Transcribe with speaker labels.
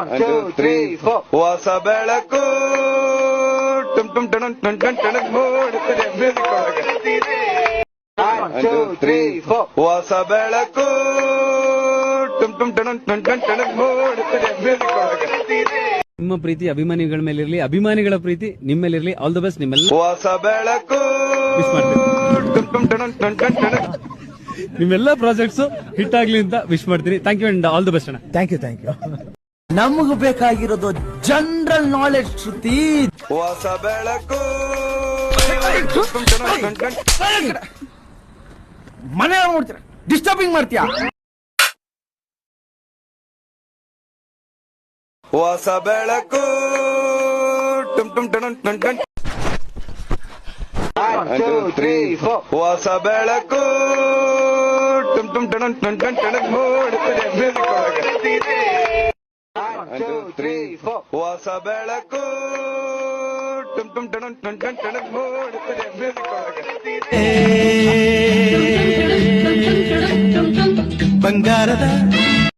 Speaker 1: 1, 2, 3, 4. ಹೊಸ ಬೆಳಕು ಟುಮ್ ಟುಮ್ ಟಣಕ್ ಟಣಕ್ ಟಣಕ್ ಮೂಡುತ್ತದೆ ಮ್ಯೂಸಿಕ್ ಒಳಗೆ. 1, 2, 3, 4. ಹೊಸ ಬೆಳಕು ಟುಮ್ ಟುಮ್ ಟಣಕ್ ಟಣಕ್ ಟಣಕ್ ಮೂಡುತ್ತದೆ ಮ್ಯೂಸಿಕ್ ಒಳಗೆ.
Speaker 2: ನಿಮ್ಮ ಪ್ರೀತಿ ಅಭಿಮಾನಿಗಳ ಮೇಲಿರಲಿ, ಅಭಿಮಾನಿಗಳ ಪ್ರೀತಿ ನಿಮ್ಮ ಮೇಲಿರಲಿ. All the best. ನಿಮ್ಮೆಲ್ಲ
Speaker 1: ಹೊಸ ಬೆಳಕು
Speaker 2: ಮಿಸ್ ಮಾಡ್ತೀನಿ.
Speaker 1: ಟುಮ್ ಟುಮ್ ಟಣಕ್ ಟಣಕ್ ಟಣಕ್.
Speaker 2: ನಿಮ್ಮೆಲ್ಲ ಪ್ರಾಜೆಕ್ಟ್ಸ್ ಹಿಟ್ ಆಗ್ಲಿ ಅಂತ ವಿಶ್ ಮಾಡ್ತೀನಿ. Thank you and all the best ಅಣ್ಣ.
Speaker 3: Thank you. ನಮಗೂ ಬೇಕಾಗಿರೋದು ಜನರಲ್ ನಾಲೆಡ್ಜ್ ಶ್ರುತಿ.
Speaker 1: ಹೊಸ ಬೆಳಕು
Speaker 3: ಮನೆ ನೋಡ್ತೀರ, ಡಿಸ್ಟರ್ಬಿಂಗ್ ಮಾಡ್ತೀಯಾ?
Speaker 1: ಹೊಸ ಬೆಳಕು ಟುಮ್ ಟುಮ್ ಟಣಕ್ ಟಣಕ್. 1, 2, 3, 4. ಹೊಸ ಬೆಳಕು ಟುಮ್ ಟುಮ್ ಟಣಕ್ ಟಣಕ್ ಟಣಕ್ ಮೂಡುತ್ತದೆ ಮ್ಯೂಸಿಕ್ ಒಳಗೆ. 1, 2, 3, 4. ಹೊಸ ಬೆಳಕು ಟುಮ್ ಟುಮ್ ಟಣಕ್ ಟಣಕ್ ಟಣಕ್ ಮೂಡುತ್ತದೆ ಮ್ಯೂಸಿಕ್ ಒಳಗೆ.
Speaker 3: ಬಂಗಾರದ